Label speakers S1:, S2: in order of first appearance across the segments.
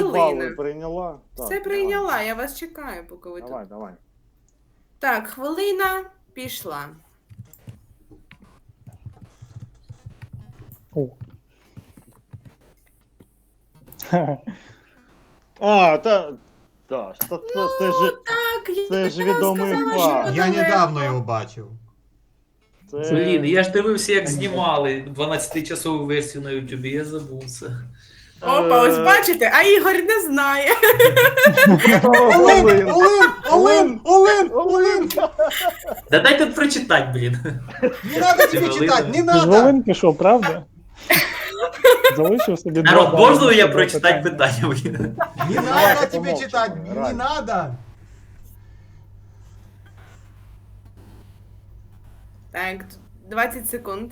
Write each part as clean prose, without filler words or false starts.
S1: хвилина.
S2: прийняла?
S1: Все
S2: Так,
S1: прийняла, я вас чекаю, поки ви
S2: Давай,
S1: тут.
S2: давай.
S1: Так, хвилина пішла.
S3: О.
S2: А, та, це ж,
S1: Так,
S2: це ж
S1: я
S2: відомий
S1: сказала,
S2: факт.
S1: що
S4: Я
S1: недалеко.
S4: недавно його бачив.
S2: Це...
S5: Блін, я ж дивився, як знімали 12-часову версію на Ютубі, я забув це.
S1: Опа, ось бачите, а Ігор не знає.
S2: Олин!
S4: Олин!
S5: Да дайте прочитати, блін.
S4: Не надо тебе
S5: Олин.
S4: читать, не
S3: Ти з
S4: надо!
S3: Волин пішов, правда? Залишив собі
S5: Народ,
S3: два
S5: можна
S3: бали,
S5: я
S3: два
S5: прочитати
S3: питання.
S5: питання, блін?
S4: Не
S2: Давай,
S4: надо тебе
S2: помолчим,
S4: читать, не
S2: Рай.
S4: надо!
S1: Так, 20 секунд.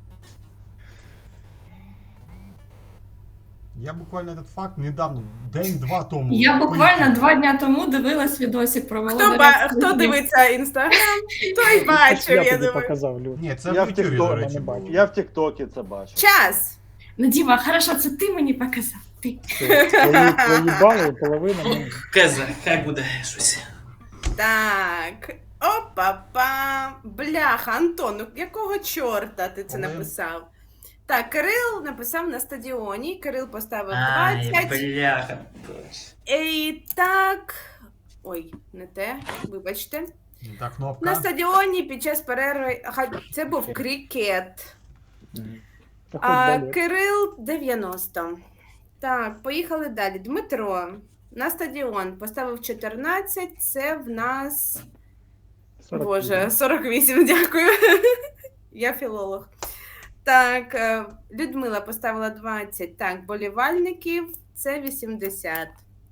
S4: Я буквально этот факт недавно, день-два тому.
S6: Я буквально 2 дня тому дивилась відосик про
S1: Хто дивиться інстаграм, той бачив,
S3: Я
S1: я
S3: тобі
S1: думаю.
S3: показав, Люд.
S4: Ні, це
S2: Я
S4: в
S2: в
S4: Ютубі,
S2: Тіктокі
S4: до
S3: не
S4: речі,
S3: бачив.
S4: було.
S2: Я в Тіктокі це бачив.
S1: Час.
S6: Ну, Діма, хорошо, це ти мені показав. Ти.
S3: Твої бали, половина мені.
S5: Кеза, хай буде щось.
S1: Так. Опа-па. Бляха, Антон, ну якого чорта ти це
S4: Олен.
S1: написав? Так, Кирил написав на стадіоні. Кирил поставив
S5: Ай,
S1: 20.
S5: бляха.
S1: І так. Ой, не те, вибачте.
S4: Не та
S1: На
S4: кнопка.
S1: стадіоні під час перерви. Ага, це був крикет.
S3: Та хоч далі.
S1: Кирил 90. Так, поїхали далі. Дмитро на стадіон поставив 14. Це в нас.
S3: 48.
S1: Боже, 48, дякую. Я філолог. Так, Людмила поставила 20. Так, болівальників це 80.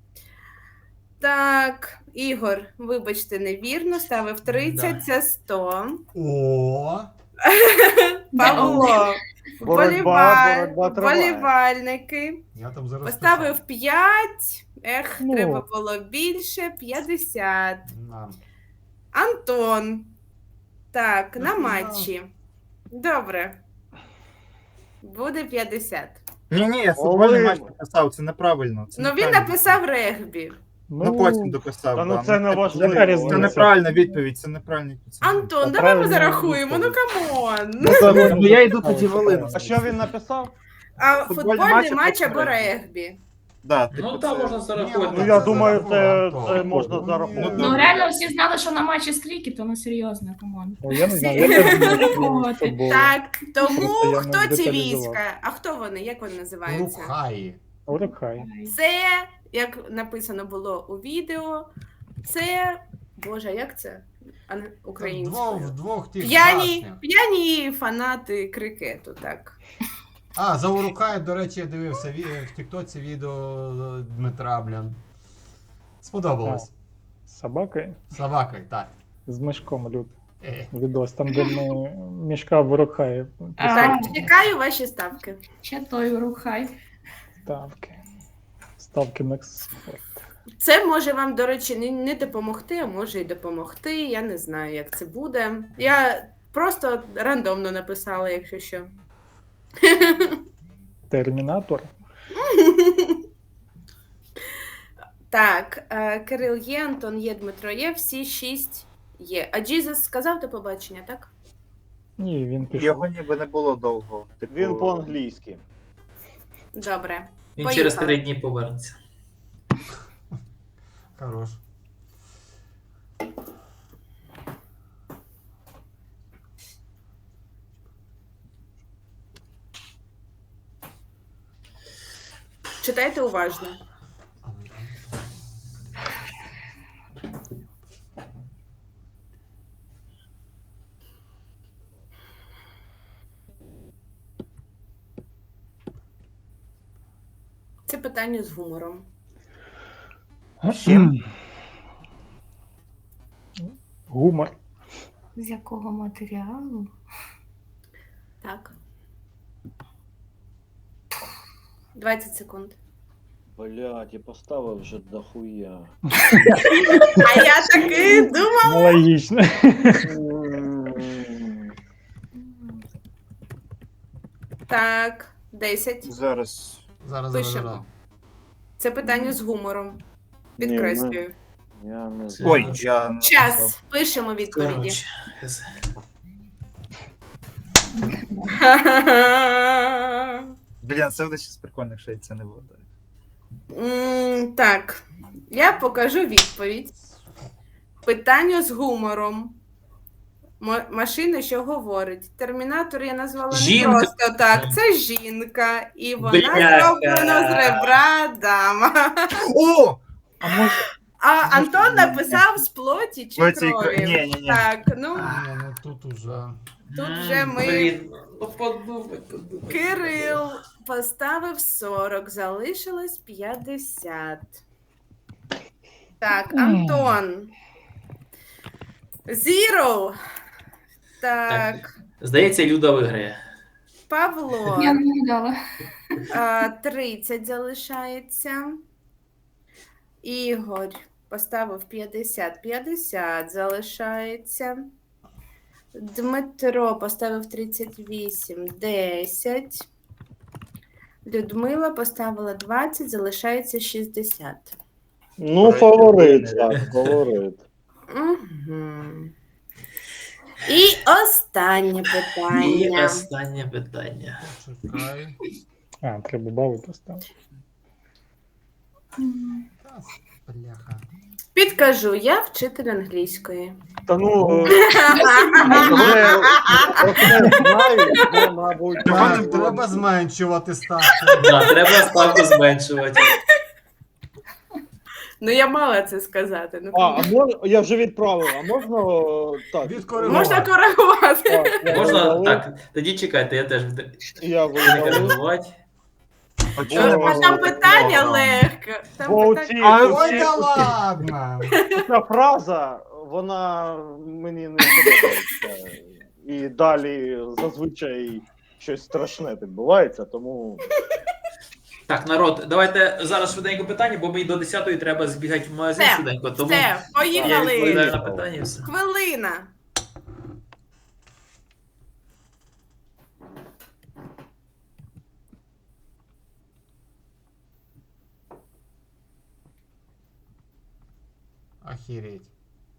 S1: Так, Ігор, вибачте, невірно, ставив 30,
S5: Да.
S1: це 100.
S4: О,
S1: Павло,
S2: Боротьба триває.
S1: болівальники.
S4: я там зараз
S1: Поставив 5. Ех,
S3: Ну.
S1: треба було більше. 50.
S4: писав.
S1: Антон. Так, на
S4: Ну,
S1: матчі. Добре. Буде 50.
S7: Ні, я футбольний
S2: Олин.
S7: матч написав, це неправильно. Це
S1: Ну він
S7: неправильно.
S1: написав регбі.
S7: Ну потім дописав.
S2: Та ну
S7: да.
S2: це не
S3: яка
S2: важливо.
S3: різниця?
S7: Це неправильна відповідь, це неправильна відповідь.
S1: Антон,
S3: Та
S1: давай ми
S3: правильно
S1: зарахуємо. Ну
S3: відповідь.
S1: камон.
S7: Ну я йду тоді Волину.
S2: А що він написав?
S1: А
S7: Футбольний
S1: футбольний
S7: матч
S1: матч або
S7: або
S1: регбі.
S7: Да, типу,
S5: Ну там
S7: це-
S5: можна зарахувати.
S2: Ну я
S4: Це
S2: думаю, це
S4: зараховано.
S2: можна
S4: Ну,
S2: зараховувати.
S6: Ну реально всі знали, що на матчі з крикету, ну серйозно, команд.
S3: Ну, я не знаю, я теж не
S6: Зараховувати.
S3: футбол.
S1: Так, тому
S3: Просто я не
S1: хто ці
S3: деталізував.
S1: війська? А хто вони? Як вони називаються?
S4: Рукхаї.
S3: Урукхай.
S1: Це, як написано було у відео, це. Боже, як це? Українською.
S4: Вдвох тих
S1: П'яні,
S4: башнях.
S1: п'яні фанати крикету, так.
S4: А, за Урукхай, до речі, я дивився в Тіктоці відео Дмитра, блін. Сподобалось.
S3: З собакою,
S4: Собакою, так.
S3: з мішком, Люд.
S4: Е.
S3: Відос, там, де ми мішка в Урукхаї.
S1: Так, чекаю ваші ставки.
S6: Ще той рухай.
S3: Ставки. Ставки на спорт.
S1: Це може вам, до речі, не допомогти, а може і допомогти. Я не знаю, як це буде. Я просто рандомно написала, якщо що.
S3: Термінатор.
S1: Так, Кирил є, Антон є, Дмитро є, всі 6 є. А Джізус сказав до побачення, так?
S3: Ні, він пішов.
S7: Його ніби не було довго. Типу,
S2: Він по-англійськи.
S1: Добре.
S5: Він
S1: Поїхали.
S5: через 3 дні повернеться.
S4: Хорош.
S1: Читайте уважно. Це питання з гумором.
S3: Гумор.
S6: З якого матеріалу?
S1: Так. 20 секунд.
S2: Блядь, і поставив вже дохуя.
S1: А я таки думала.
S3: Ну, логічно.
S1: Так, 10.
S7: Зараз.
S4: Зараз,
S1: Пишемо.
S4: зараз.
S1: Це питання з гумором. Підкреслюю.
S2: Я не знаю.
S7: Ой, я не
S1: Час.
S7: написав.
S1: Пишемо відповіді.
S5: Коротше,
S7: Блін, це буде щось прикольне, якщо це не буде.
S1: Так, я покажу відповідь. Питання з гумором. Машина, що говорить. Термінатор я назвала
S5: Жінка.
S1: не просто так. Це жінка. І вона
S5: Бляха.
S1: зроблена з ребра дама.
S7: О!
S2: А може,
S1: А Антон написав з плоті чи
S7: Плоті,
S1: крові.
S7: ні.
S1: Так, ну,
S4: Ні, ну тут уже.
S1: тут вже ми...
S5: Блін, ну подумай.
S1: Кирил поставив 40, залишилось 50. Так, Антон. Zero. Так,
S5: Здається, Люда виграє.
S1: Павло.
S6: Я не гадала.
S1: 30 залишається. Ігор поставив 50. 50 залишається. Дмитро поставив 38. 10. Людмила поставила 20, залишається 60.
S2: ну, фаворит, так, фаворит.
S1: Угу. І останнє
S5: І
S1: питання.
S5: останнє питання.
S4: Чекай.
S3: А, треба бали поставити.
S4: Та, бляха.
S1: Підкажу, я вчитель англійської.
S2: Та ну, вже оце знаю, ну, мабуть,
S4: Так, треба зменшувати ставку.
S5: Да, треба ставку зменшувати.
S1: Ну, я мала це сказати. Ну,
S2: А я вже відправив, а можна так?
S4: Відкоригувати.
S1: можна коригувати.
S2: Так, я
S5: Можна
S2: видалив,
S5: так. Тоді чекайте, я теж
S2: Я
S5: не
S2: видалив.
S5: коригувати.
S7: А чого не
S2: О,
S7: можна
S1: Там
S7: робити
S1: питання
S7: програму?
S1: легке. Там
S2: Бо
S1: питання...
S4: Ой, да ладно!
S2: ця фраза, вона мені не подобається. І далі зазвичай щось страшне відбувається, тому
S5: Так, народ, давайте зараз швиденько питання, бо мені до 10-ї треба збігати в магазин
S1: Все,
S5: швиденько. Тому
S1: Все,
S5: я
S1: поїхали.
S5: відповідаю на питання і все.
S1: Хвилина.
S4: Охереть.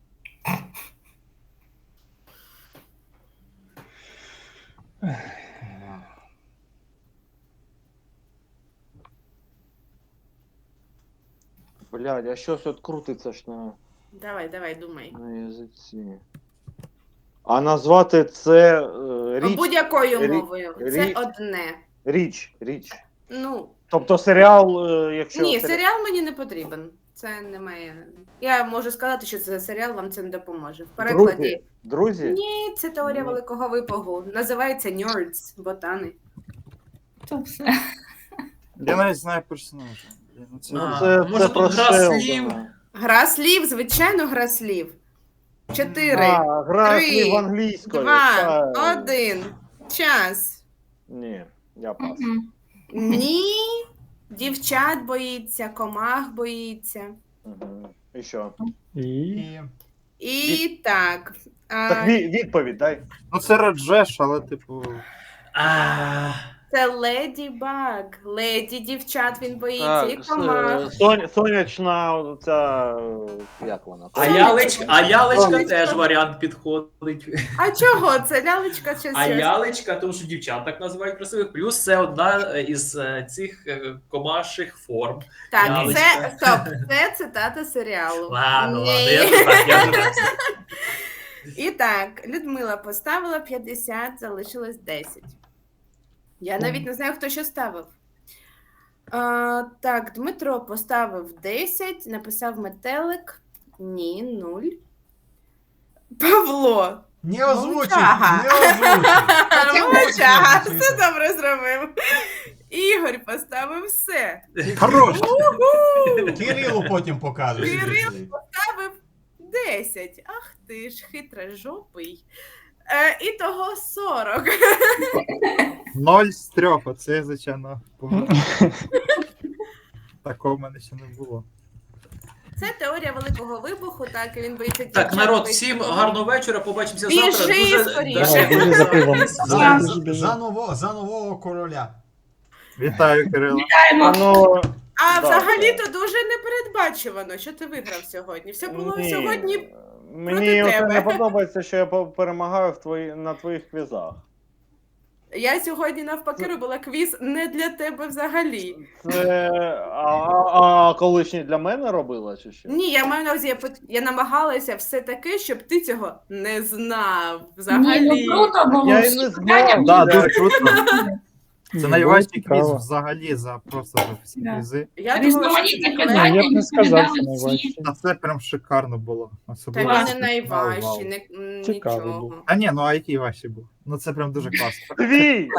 S2: блядь, а щось от крутиться ж
S1: Давай, думай.
S2: на язиці. А назвати це річ,
S1: Будь-якою
S2: рі-
S1: мовою. Це
S2: рі-
S1: одне.
S2: річ.
S1: Ну,
S2: Тобто серіал, якщо...
S1: ні, серіал мені не потрібен. Це немає. Я можу сказати, що це за серіал вам це не допоможе. В перекладі.
S2: Друзі?
S1: Ні, це теорія
S2: Ні.
S1: великого випагу. Називається Nerds, ботани.
S6: То все.
S7: Я навіть знаю персонажа. Блін, ну це-
S5: А,
S2: Це
S5: може,
S2: про
S5: тут гра
S2: Шелдона.
S5: слів?
S1: Гра слів, звичайно, гра слів. 4,
S2: А, гра
S1: 3,
S2: слів англійською.
S1: 2,
S2: Та-
S1: 1. Час.
S2: Ні, я пас.
S6: Мгм.
S1: Ні. Дівчат боїться, комах боїться.
S2: Мгм. І що?
S3: І
S4: І...
S1: І так.
S2: Так відповідь дай.
S7: Ну це Раджеш, але типу.
S5: А,
S1: Це Леді Баг. Леді дівчат він боїться. І комах.
S2: Сонячна, ця, як вона?
S5: а лялечка
S2: Сонечко.
S5: теж варіант підходить.
S1: А чого? Це лялечка чи
S5: А
S1: щось?
S5: лялечка, тому що дівчат так називають красивих. Плюс це одна із цих комаших форм.
S1: Так,
S5: лялечка.
S1: це стоп. Це цитата серіалу.
S5: Ладно,
S1: Ні.
S5: ладно, я так, я так.
S1: І так, Людмила поставила 50, залишилось 10. Я навіть не знаю, хто що ставив. Так, Дмитро поставив 10, написав метелик. Ні, 0. Павло.
S4: Не озвучуй!
S1: Мовчага.
S4: Не озвучуй!
S1: Мовчага,
S4: озвучуй.
S1: все добре зробив. Ігор поставив все.
S7: Хорош!
S4: Кирилу потім покажеш.
S1: Кирил. Ставив 10. Ах ти ж хитрожопий. І того 40.
S7: 0 з 3, оце звичайно погано. Такого в мене ще не було.
S1: Це теорія великого вибуху, так, і він боїться
S5: Так,
S1: дівчат,
S5: народ,
S1: боїться
S5: всім
S1: комах.
S5: гарного вечора. Побачимося
S1: Біжи
S5: завтра. Дуже
S1: скоріше.
S5: да,
S3: Біжи за пивом.
S4: За нового короля.
S7: Вітаю, Кирило.
S6: Вітаємо.
S2: Ну,
S1: А
S2: Да,
S1: взагалі-то
S2: так.
S1: дуже непередбачувано, що ти виграв сьогодні. Все було
S2: Ні,
S1: сьогодні.
S2: Мені
S1: проти
S2: оце
S1: тебе.
S2: не подобається, що я перемагаю на твоїх квізах.
S1: Я сьогодні навпаки робила квіз не для тебе взагалі.
S2: Це... А колишній для мене робила, чи що?
S1: Ні, я маю на увазі, я намагалася все таке, щоб ти цього не знав
S6: Ні,
S1: взагалі.
S6: ну круто було.
S2: Я і
S6: всі
S2: не
S6: питання
S2: знав.
S7: Да,
S6: були
S7: дуже круто. Це
S3: Було
S7: найважчий
S3: цікаво.
S7: квіз взагалі за просто за всі
S6: Да.
S7: квізи.
S1: Я думала, що
S6: Різноманітні
S1: це
S3: Ні,
S6: питання.
S3: я б не сказав, що
S6: відповідали всі.
S3: найважче.
S7: Та це прям шикарно було.
S1: Та
S7: Особливо.
S1: він
S6: Клас.
S1: не найважчий,
S7: Вау.
S3: Цікавий був.
S1: нічого.
S7: А ні, ну а який важчий був? Ну це прям дуже класно.
S2: Дві!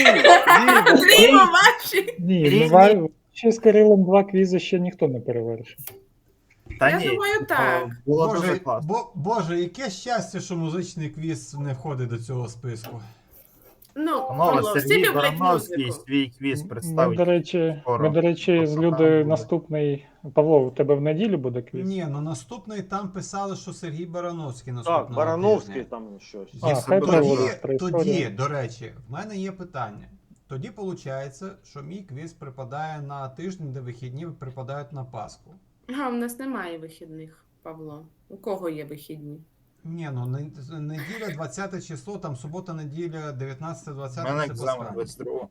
S1: Зліво ваші!
S3: Ні,
S7: Різні.
S3: буває, ще з Кирилом 2 квізи ще ніхто не перевершив.
S7: Та
S1: Я
S7: ні,
S1: думаю, так.
S7: було дуже
S4: Боже,
S7: класно.
S4: Боже, яке щастя, що музичний квіз не входить до цього списку.
S1: Ну,
S7: Панове,
S1: Павло, всі
S7: Сергій
S1: люблять
S7: Барановський
S1: музику.
S7: свій квіз
S3: Ми,
S7: представить.
S3: до речі,
S7: скоро.
S3: з
S7: Тобто
S3: Людою
S7: там буде.
S3: наступний. Павло, у тебе в неділю буде квіз?
S4: Ні, ну наступний там писали, що Сергій Барановський
S2: Так,
S4: наступного
S2: Барановський
S4: тижня.
S2: там щось.
S3: А, хай
S4: Тоді,
S3: проводить про історію.
S4: тоді, до речі, в мене є питання. Тоді виходить, що мій квіз припадає на тиждень, де вихідні припадають на Пасху.
S1: А, в нас немає вихідних, Павло. У кого є вихідні?
S4: Ні, ну неділя 20 число, там субота, неділя, 19-20
S7: У мене
S4: це
S7: екзамен
S4: Пасха.
S7: 22.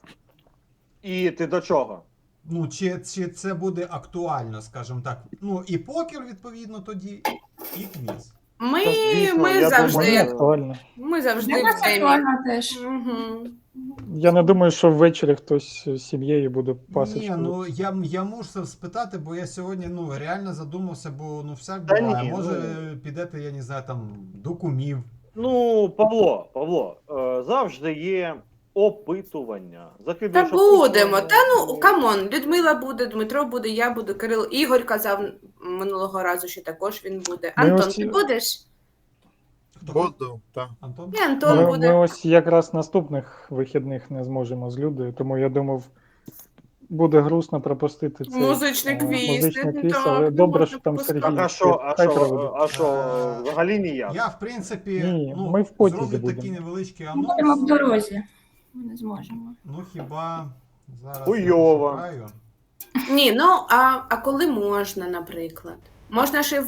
S2: І ти до чого?
S4: Ну, чи це буде актуально, скажімо так. Ну, і покер, відповідно, тоді, і квіз.
S1: Ми,
S2: Та, звісно,
S1: ми
S2: я
S1: завжди,
S3: Мені
S2: думаю,
S3: актуально.
S1: ми завжди
S6: Для
S1: в
S6: нас
S1: темі.
S6: актуально теж.
S1: Угу.
S3: Я не думаю, що ввечері хтось з сім'єю буде пасочку.
S4: Ні, ну я мушу спитати, бо я сьогодні реально задумався, бо всяк
S2: Та
S4: буває.
S2: ні,
S4: Може підете, я не знаю, там до кумів.
S2: Ну, Павло, завжди є опитування.
S1: Та
S2: Закидуєш
S1: будемо.
S2: опитування.
S1: Та ну, камон, Людмила буде, Дмитро буде, я буду, Кирил. Ігор казав минулого разу, що також він буде.
S3: Ми
S1: Антон,
S3: ось-
S1: ти будеш?
S4: Хто?
S7: Буду, так.
S4: Антон?
S1: І Антон
S3: Ми
S1: буде.
S3: ось якраз наступних вихідних не зможемо з Людою, тому я думав, буде грустно пропустити цей
S1: Музичний квіз.
S3: музичний
S1: не
S3: квіз,
S1: так,
S3: але
S1: не
S3: добре,
S1: можна
S3: що там
S1: пропускати.
S3: Сергій.
S2: Так,
S3: Хай проведе.
S2: а що, взагалі ніяк?
S4: Я, в принципі,
S3: Ні, ми в потязі
S4: зроблю
S3: будемо.
S4: такий невеличкий
S6: Ми будемо в
S4: анонс.
S6: дорозі. Ми не зможемо.
S4: Ну хіба зараз
S2: Хуйово.
S4: я пошукаю.
S1: Ні, ну а коли можна, наприклад? Можна ще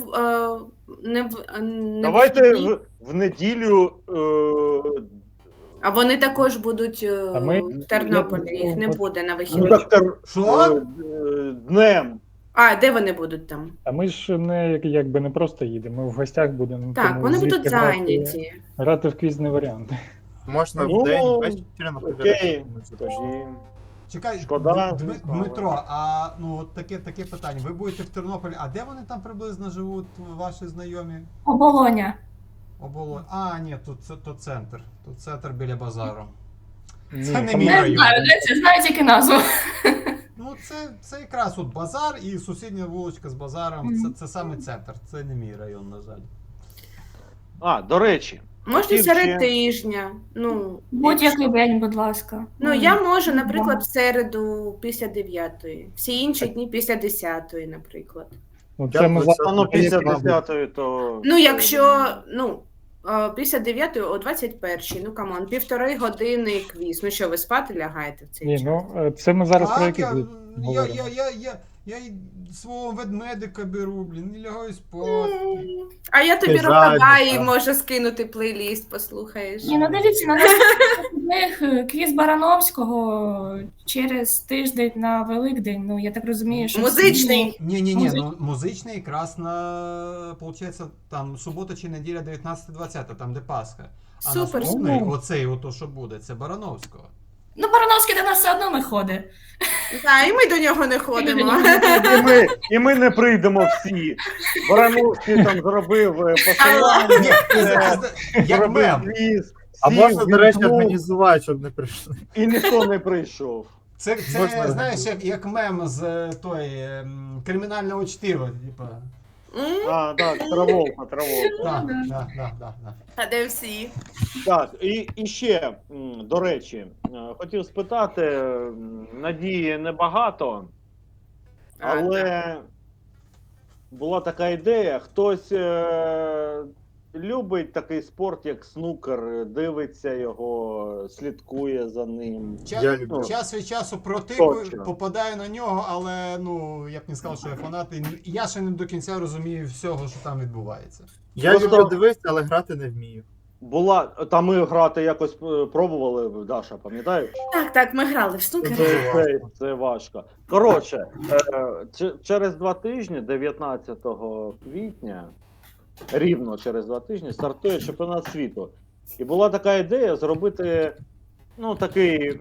S1: не
S2: Давайте
S1: вихідні,
S2: в неділю
S1: а вони також будуть
S3: А ми-
S1: в Тернополі, їх не буде на
S2: ну,
S1: вихідних.
S2: так,
S4: Що?
S2: днем.
S1: А, де вони будуть там?
S3: А ми ж якби не просто їдемо, ми в гостях будемо.
S1: Так,
S3: тому
S1: вони
S3: звідти
S1: будуть зайняті.
S3: Грати в квіз не варіант.
S7: Можна
S2: Ну,
S7: в день, ввечері, наприклад.
S2: окей.
S7: якщо
S2: Тоді.
S4: Чекай,
S2: Шкода.
S4: Дмитро, а от таке питання. Ви будете в Тернополі, а де вони там приблизно живуть, ваші знайомі?
S6: Оболоня.
S4: А, ні, тут центр. Тут центр біля базару.
S3: Ні,
S4: Це не
S3: там-
S4: мій
S6: Не
S4: район.
S6: знаю, де це, знаю тільки назву.
S4: Ну, це якраз от базар і сусідня вуличка з базаром.
S6: Мгм.
S4: Це саме центр. Це не мій район, на жаль.
S2: А, до речі,
S1: Можна
S2: Хотів
S1: серед
S2: ще-
S1: тижня. Ну,
S6: Будь-який день, будь ласка.
S1: ну, я можу, наприклад, в середу після 9-ї. Всі інші дні після 10-ї, наприклад.
S3: Ну, це ми
S7: Дякую,
S3: зараз-
S2: ну після
S7: Мабуть.
S2: 10-ї, то...
S1: Ну, якщо, після 9-ї о 21-й, ну, камон, 1,5 години квіз. Ну що, ви спати лягаєте в цей
S3: Ні,
S1: час?
S3: ну це ми зараз про
S4: Так,
S3: який
S4: я,
S3: квіз
S4: я,
S3: говоримо.
S4: я й свого ведмедика беру, блін, і лягаю спати.
S1: А я тобі
S7: Ти
S1: Рокабаї
S7: зайнята.
S1: можу скинути плейліст, послухаєш.
S6: Ні, ну дивіться, на них квіз Барановського через тиждень на Великдень. Ну, я так розумію, що...
S1: Музичний.
S4: Ні,
S6: Музичний.
S4: ну музичний якраз на, получається, там субота чи неділя 19-20, там де Пасха. А
S1: Супер.
S4: наступний,
S3: Ну.
S4: оцей, ото що буде, це Барановського.
S6: Ну, Барановський до нас все одно не ходить.
S1: Так, і ми до нього не ходимо.
S2: І ми не прийдемо всі. Барановський там зробив посилання,
S4: Ні, як
S2: зробив
S4: мем.
S2: квіз,
S7: А
S2: сів,
S7: можна, до речі,
S2: вімкнув,
S7: організувати, щоб не прийшли.
S2: і ніхто не прийшов.
S4: Це
S7: Можна-
S4: знаєш, як мем з кримінального чтива, типа.
S1: М?
S2: А, так, Траволта.
S4: Да.
S1: А де всі?
S2: Так, і ще, до речі, хотів спитати, надії небагато, але була така ідея, хтось любить такий спорт, як снукер, дивиться його, слідкує за ним.
S7: Я люблю.
S4: Час від часу протикую,
S2: Точно.
S4: попадаю на нього, але ну я б не сказав, що я фанат. І я ще не до кінця розумію всього, що там відбувається.
S7: Я
S2: Просто-
S7: люблю дивитися, але грати не вмію.
S2: Була, там ми грати якось пробували, Даша, пам'ятаєш?
S1: Так, ми грали в снукер.
S2: Це важко. Коротше, через 2 тижні, 19 квітня, рівно через 2 тижні, стартує чемпіонат світу. І була така ідея зробити такий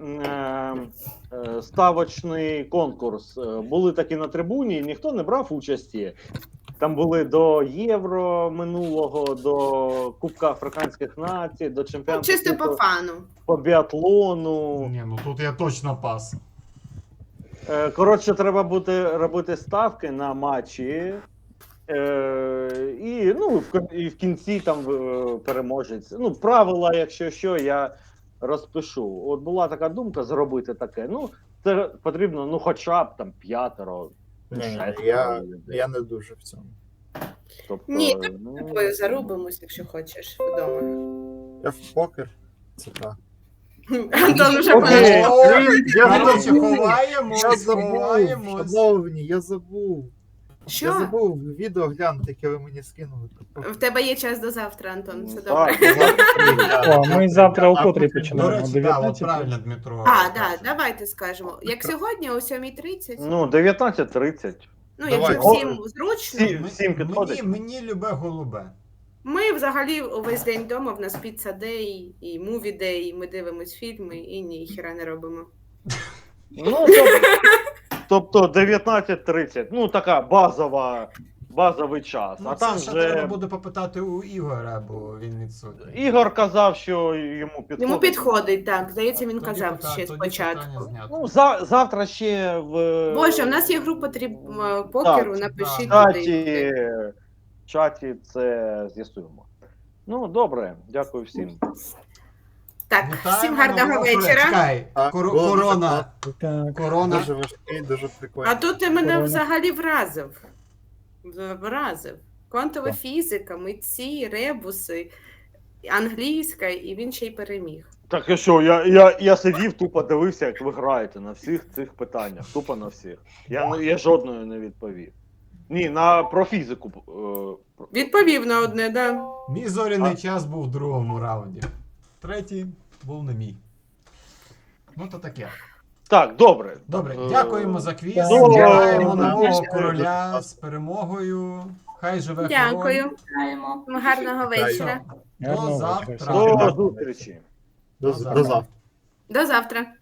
S2: ставочний конкурс. Були такі на трибуні, ніхто не брав участі. Там були до Євро минулого, до Кубка Африканських націй, до чемпіонату
S1: Чисто по
S2: світу
S1: фану.
S2: по біатлону.
S4: Ні, ну тут я точно пас.
S2: Коротше, треба буде робити ставки на матчі. І в кінці там переможець. Правила, якщо що, я розпишу. От була така думка зробити таке. Це потрібно, хоча б там 5.
S7: Ні,
S2: 6
S7: я не дуже в цьому.
S2: Тобто,
S1: Ні, ми тобою зарубимось, якщо хочеш, вдома.
S7: Я в покер. Це так.
S1: Антон вже
S2: Окей.
S1: пограв.
S4: Коротше,
S7: Я
S4: ховаємось,
S7: забув,
S4: ховаємось.
S7: шановні, я забув. Я
S1: Що?
S7: забув відео глянути, яке ви мені скинули.
S1: В тебе є час до завтра, Антон, все
S2: Так,
S1: добре.
S3: О, ми завтра о котрій
S4: До
S3: починаємо?
S4: речі, так, от
S3: 19?
S4: правильно, Дмитро.
S1: Давайте скажемо. Як сьогодні о 7:30,
S2: 19:30.
S1: якщо
S7: давай.
S1: всім зручно,
S2: Всім підходить.
S4: Мені любе голубе.
S1: ми взагалі увесь день вдома, в нас піца дей і муві дей, ми дивимось фільми і ніхіра не робимо.
S2: Тобто 19:30. Така базовий час.
S4: Ну,
S2: А
S4: це
S2: там
S4: ще треба
S2: вже
S4: буде попитати у Ігоря, бо він відсутній.
S2: Ігор казав, що йому підходить.
S1: Йому підходить, так. Здається, він
S4: Тоді
S1: казав
S4: питання-
S1: ще
S4: тоді
S1: спочатку.
S4: питання знято.
S2: Завтра ще в
S1: Боже, у нас є група покеру,
S2: Так,
S1: напишіть
S2: чаті,
S1: туди.
S2: в чаті це з'ясуємо. Добре, дякую всім.
S1: Так,
S4: Вітаємо
S1: всім гарного
S4: нового
S1: вечора.
S4: Чекай,
S7: Так,
S4: корона.
S3: Так.
S4: Корона.
S7: Дуже важкий, дуже прикольний.
S1: А тут ти мене
S3: Корона.
S1: взагалі вразив. Квантова
S7: Так.
S1: фізика, митці, ребуси, англійська, і він ще й переміг.
S2: Так і що, я сидів, тупо дивився, як ви граєте на всіх цих питаннях. Тупо на всіх. Я жодної не відповів. Ні, про фізику.
S1: Відповів на одне, да.
S4: Мій зоряний час був в другому раунді. Третій був не мій. Ну то таке.
S2: Так, добре.
S4: Добре, дякуємо за квіз.
S2: Добре.
S4: Вітаємо
S2: Добре.
S4: нового короля з перемогою. Хай живе король.
S1: Дякую.
S6: Граємо.
S1: Гарного вечора.
S4: До
S3: Гарного
S4: завтра.
S3: вечора.
S2: До зустрічі.
S7: До завтра.
S1: До завтра.